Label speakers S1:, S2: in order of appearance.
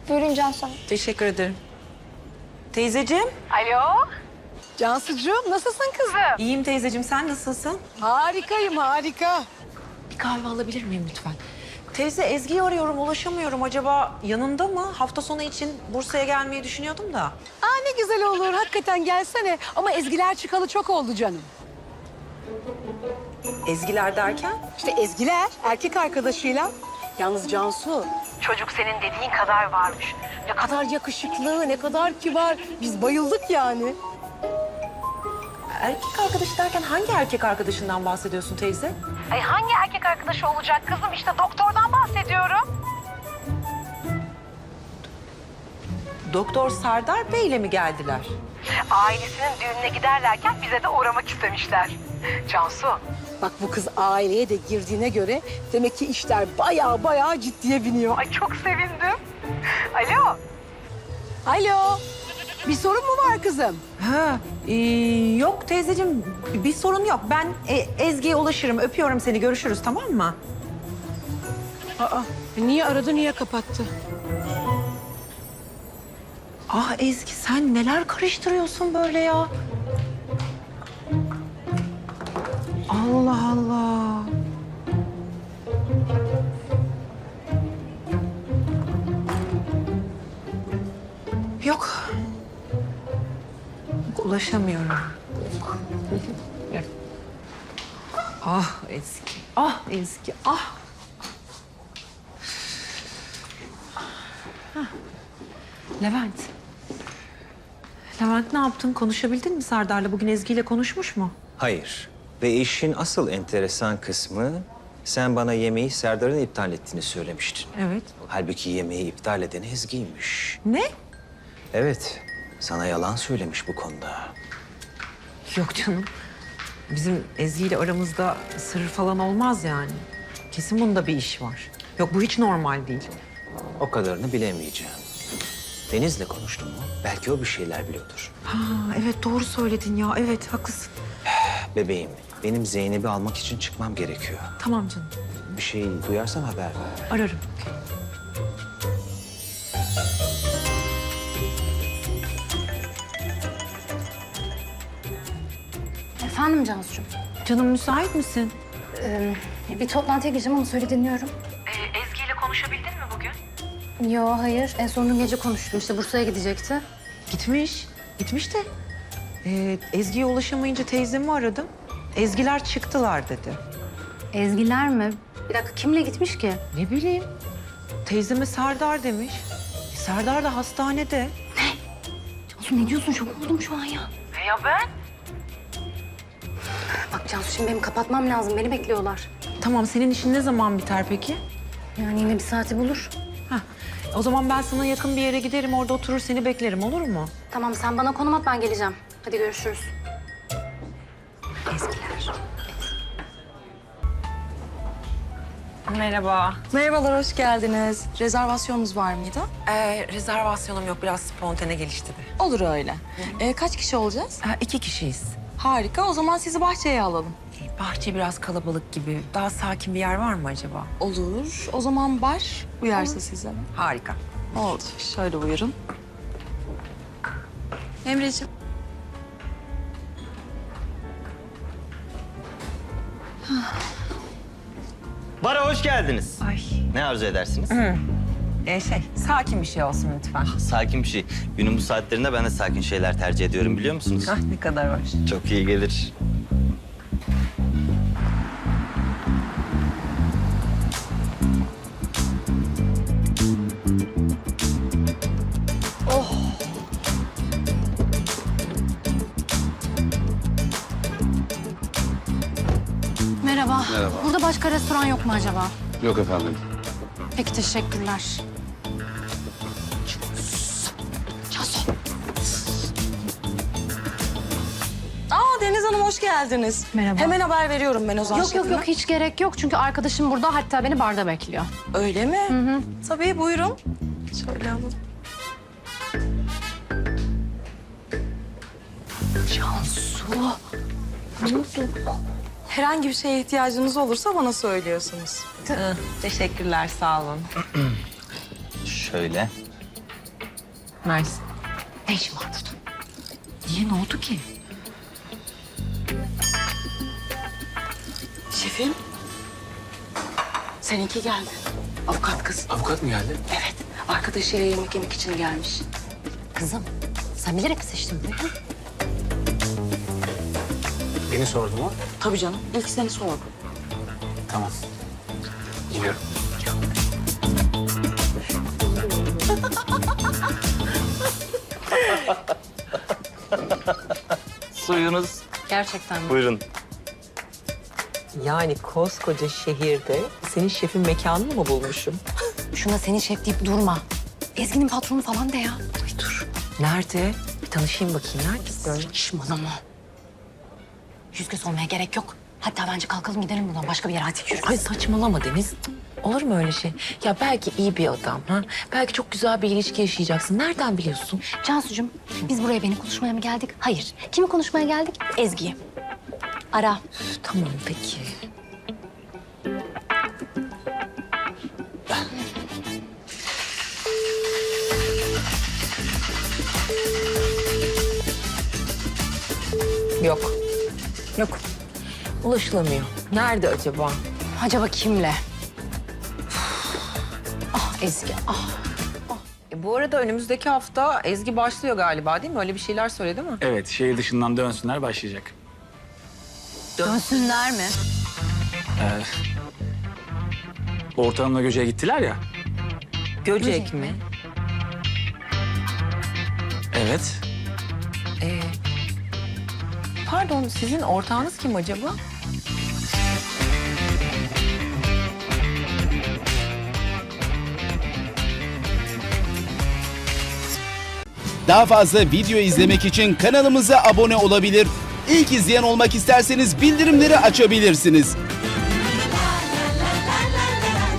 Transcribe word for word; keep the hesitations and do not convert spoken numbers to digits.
S1: Buyurun Cansu Hanım.
S2: Teşekkür ederim. Teyzeciğim.
S3: Alo.
S4: Cansucuğum nasılsın kızım?
S2: İyiyim teyzeciğim, sen nasılsın?
S4: Harikayım harika.
S2: Bir kahve alabilir miyim lütfen? Teyze, Ezgi'yi arıyorum, ulaşamıyorum. Acaba yanında mı? Hafta sonu için Bursa'ya gelmeyi düşünüyordum da.
S4: Aa ne güzel olur hakikaten gelsene. Ama Ezgiler çıkalı çok oldu canım.
S2: Ezgiler derken?
S4: İşte Ezgiler erkek arkadaşıyla. Yalnız Cansu çocuk senin dediğin kadar varmış. Ne kadar yakışıklı, ne kadar kibar. Biz bayıldık yani.
S2: Erkek arkadaşı derken hangi erkek arkadaşından bahsediyorsun teyze?
S3: Ay hangi erkek arkadaşı olacak kızım? İşte doktordan bahsediyorum.
S2: Doktor Serdar Bey'le mi geldiler?
S3: Ailesinin düğününe giderlerken bize de uğramak istemişler. Cansu.
S4: Bak bu kız aileye de girdiğine göre demek ki işler bayağı bayağı ciddiye biniyor.
S3: Ay çok sevindim. Alo.
S4: Alo. Bir sorun mu var kızım?
S2: Ha, ee, yok teyzeciğim, bir sorun yok. Ben e, Ezgi'ye ulaşırım, öpüyorum seni, görüşürüz, tamam mı?
S4: Aa niye aradı niye kapattı?
S2: Ah Ezgi, sen neler karıştırıyorsun böyle ya? Allah Allah. Yok. Ulaşamıyorum. Ah Ezgi, ah Ezgi, ah. Hah. Levent. Levent ne yaptın? Konuşabildin mi Serdar'la? Bugün Ezgi ile konuşmuş mu?
S5: Hayır. Ve işin asıl enteresan kısmı sen bana yemeği Serdar'ın iptal ettiğini söylemiştin.
S2: Evet.
S5: Halbuki yemeği iptal eden Ezgi'ymiş.
S2: Ne?
S5: Evet. Sana yalan söylemiş bu konuda.
S2: Yok canım. Bizim Ezgi ile aramızda sır falan olmaz yani. Kesin bunda bir iş var. Yok, bu hiç normal değil.
S5: O kadarını bilemeyeceğim. Deniz'le konuştun mu? Belki o bir şeyler biliyordur.
S2: Ha, evet doğru söyledin ya. Evet, haklısın.
S5: Bebeğim, benim Zeynep'i almak için çıkmam gerekiyor.
S2: Tamam canım.
S5: Bir şey duyarsan haber ver.
S2: Ararım.
S1: Efendim Cansu'cum.
S2: Canım, müsait misin?
S1: Ee, bir toplantıya gireceğim ama söyle dinliyorum.
S3: Ee, Ezgi ile konuşabildin mi bugün?
S1: Yo hayır. En son dün gece konuştum. İşte Bursa'ya gidecekti.
S2: Gitmiş. Gitmiş de. Ee, Ezgi'ye ulaşamayınca teyzemi aradım. Ezgiler çıktılar dedi.
S1: Ezgiler mi? Bir dakika kimle gitmiş ki?
S2: Ne bileyim. Teyzeme Serdar demiş. E, Serdar da hastanede.
S1: Cansu ne diyorsun? Şok oldum şu an ya.
S3: E ya ben?
S1: Bak Cansu şimdi benim kapatmam lazım. Beni bekliyorlar.
S2: Tamam, senin işin ne zaman biter peki?
S1: Yani yine bir saati bulur.
S2: Heh, o zaman ben sana yakın bir yere giderim, orada oturur seni beklerim, olur mu?
S1: Tamam sen bana konum at ben geleceğim. Hadi görüşürüz.
S2: Ezgiler. Merhaba.
S6: Merhabalar, hoş geldiniz. Rezervasyonunuz var mıydı?
S2: Ee, rezervasyonum yok, biraz spontane gelişti de.
S6: Olur öyle. Ee, kaç kişi olacağız?
S2: Ha, iki kişiyiz.
S6: Harika, o zaman sizi bahçeye alalım.
S2: Ee, bahçe biraz kalabalık gibi. Daha sakin bir yer var mı acaba?
S6: Olur, o zaman bar uyarsa size.
S2: Harika.
S6: Oldu, şöyle buyurun. Emreciğim.
S7: Bara hoş geldiniz.
S2: Ay.
S7: Ne arzu edersiniz?
S2: Ee, şey, sakin bir şey olsun lütfen.
S7: Sakin bir şey. Günün bu saatlerinde ben de sakin şeyler tercih ediyorum biliyor musunuz?
S2: Ah, ne kadar hoş.
S7: Çok iyi gelir.
S1: Merhaba. Merhaba. Burada başka restoran yok mu acaba?
S8: Yok efendim.
S1: Peki teşekkürler.
S6: Aa Deniz Hanım hoş geldiniz.
S1: Merhaba.
S6: Hemen haber veriyorum ben o zaman.
S1: Yok yok yok hiç gerek yok çünkü arkadaşım burada hatta beni barda bekliyor.
S6: Öyle mi? Hı hı. Tabii buyurun. Şöyle alalım. Cansu. Ne oldu? Herhangi bir şeye ihtiyacınız olursa bana söylüyorsunuz.
S2: Teşekkürler, sağ olun.
S7: Şöyle.
S2: Mersin.
S1: Ne işin var burada?
S2: Niye, ne oldu ki?
S4: Şefim. Seninki geldi. Avukat kız.
S8: Avukat mı geldi?
S4: Evet. Arkadaşıyla yemek yemek için gelmiş.
S1: Kızım sen bilerek mi seçtin bunu? ha?
S8: Beni sordu mu?
S4: Tabii canım. İlk seni sordu.
S8: Tamam. Gidiyorum.
S7: Suyunuz.
S1: Gerçekten mi?
S7: Buyurun.
S2: Yani koskoca şehirde senin şefin mekanını mı bulmuşum?
S1: Şuna senin şef deyip durma. Ezgi'nin patronu falan de ya.
S2: Ay dur. Nerede? Bir tanışayım bakayım. Nerede?
S1: Saçmalama. Yüz göz olmaya gerek yok. Hatta bence kalkalım gidelim buradan. Başka bir yere hadi yürü.
S2: Ay saçmalama Deniz. Olur mu öyle şey? Ya belki iyi bir adam. Ha? Belki çok güzel bir ilişki yaşayacaksın. Nereden biliyorsun?
S1: Cansucuğum biz buraya beni konuşmaya mı geldik? Hayır. Kimi konuşmaya geldik? Ezgi'yi. Ara.
S2: Üf, tamam peki. Yok. Yok. Ulaşılamıyor. Nerede acaba?
S1: Acaba kimle? Ah Ezgi ah.
S2: E, bu arada önümüzdeki hafta Ezgi başlıyor galiba değil mi? Öyle bir şeyler söyledi mi?
S8: Evet, şehir dışından dönsünler başlayacak.
S1: Dönsünler mi?
S8: Ee, Ortamla Göce'ye gittiler ya.
S2: Göcek mi?
S8: Evet.
S2: Ee, pardon sizin ortağınız kim acaba?
S9: Daha fazla video izlemek için kanalımıza abone olabilir. İlk izleyen olmak isterseniz bildirimleri açabilirsiniz.